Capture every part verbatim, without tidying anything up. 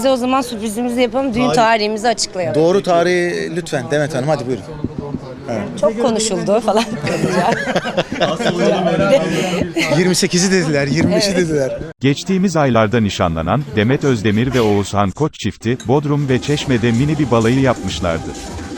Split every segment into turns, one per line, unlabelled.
size o zaman sürprizimizi yapalım. Düğün tarihimizi açıklayalım.
Doğru tarihi lütfen Demet Hanım, hadi buyurun.
Çok konuşuldu falan.
yirmi sekizi dediler, yirmi beşi
Evet.
dediler.
Geçtiğimiz aylarda nişanlanan Demet Özdemir ve Oğuzhan Koç çifti, Bodrum ve Çeşme'de mini bir balayı yapmışlardı.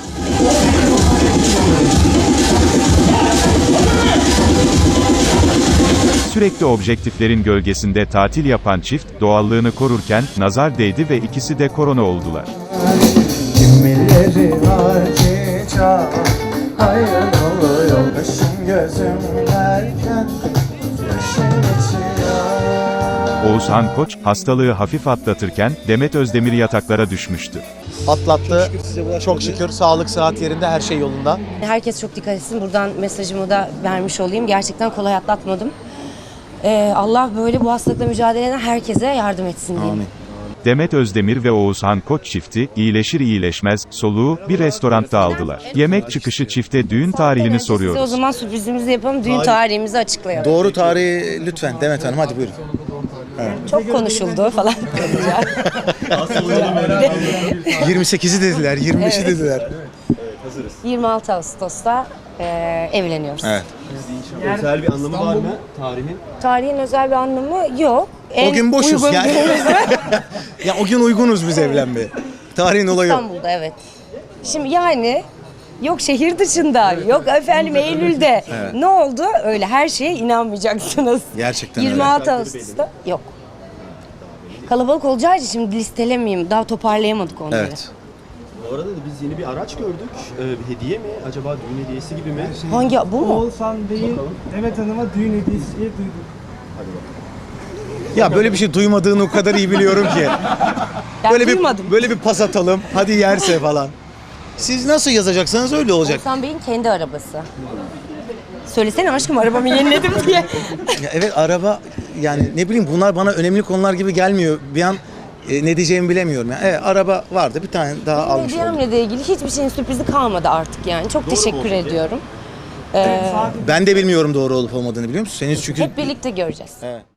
Sürekli objektiflerin gölgesinde tatil yapan çift, doğallığını korurken, nazar değdi ve ikisi de korona oldular.
Kimileri harcayacak, hayır oluyor kaşım gözüm derken, yaşım geçiyor.
Oğuzhan Koç, hastalığı hafif atlatırken, Demet Özdemir yataklara düşmüştü.
Atlattı. Çok şükür sağlık sıhhat yerinde, her şey yolunda.
Herkes çok dikkat etsin. Buradan mesajımı da vermiş olayım. Gerçekten kolay atlatmadım. Ee, Allah böyle bu hastalıkla mücadele eden herkese yardım etsin diyeyim.
Amin.
Demet Özdemir ve Oğuzhan Koç çifti, iyileşir iyileşmez, soluğu, bir restoranda aldılar. Yemek çıkışı çifte düğün tarihini
Size o
soruyoruz.
zaman sürprizimizi yapalım. Düğün tarihimizi açıklayalım.
Doğru tarihi lütfen Demet Hanım, hadi buyurun.
Çok konuşuldu falan.
yirmi sekizi dediler, yirmi beşi dediler.
yirmi altı Ağustos'ta e, evleniyoruz.
Evet.
Özel bir anlamı var mı tarihin?
Tarihin özel bir anlamı yok. En
O gün boşuz
uygun
yani.
günümüz
Ya o gün uygunuz biz evlenmeye. Tarihin olayı yok.
İstanbul'da, evet. Şimdi yani yok şehir dışında, yok efendim Eylül'de.
Evet.
Ne oldu? Öyle her şeye inanmayacaksınız.
Gerçekten öyle.
yirmi altı Ağustos'ta yok. Kalabalık olacağı için şimdi listelemeyeyim. Daha toparlayamadık onları.
Evet.
Bu arada da biz yeni bir araç gördük. Ee, bir hediye mi? Acaba düğün hediyesi gibi mi?
Hangi bu mu?
Oğuzhan Bey'in Demet Hanım'a düğün hediyesi diye duyduk.
Ya böyle bir şey duymadığını o kadar iyi biliyorum ki.
Ben
Böyle
duymadım.
bir böyle bir pas atalım. Hadi yerse falan. Siz nasıl yazacaksanız öyle olacak.
Oğuzhan Bey'in kendi arabası. Söylesene aşkım arabamı yeniledim diye.
Ya evet, araba yani ne bileyim, bunlar bana önemli konular gibi gelmiyor. Bir an e, ne diyeceğimi bilemiyorum. Yani. Evet, araba vardı, bir tane daha almış oldum.
Hediyemle de ilgili hiçbir şeyin sürprizi kalmadı artık yani. Çok teşekkür ediyorum. Ee,
Ben de bilmiyorum doğru olup olmadığını, biliyor musun? Senin çünkü...
hep birlikte göreceğiz.
Evet.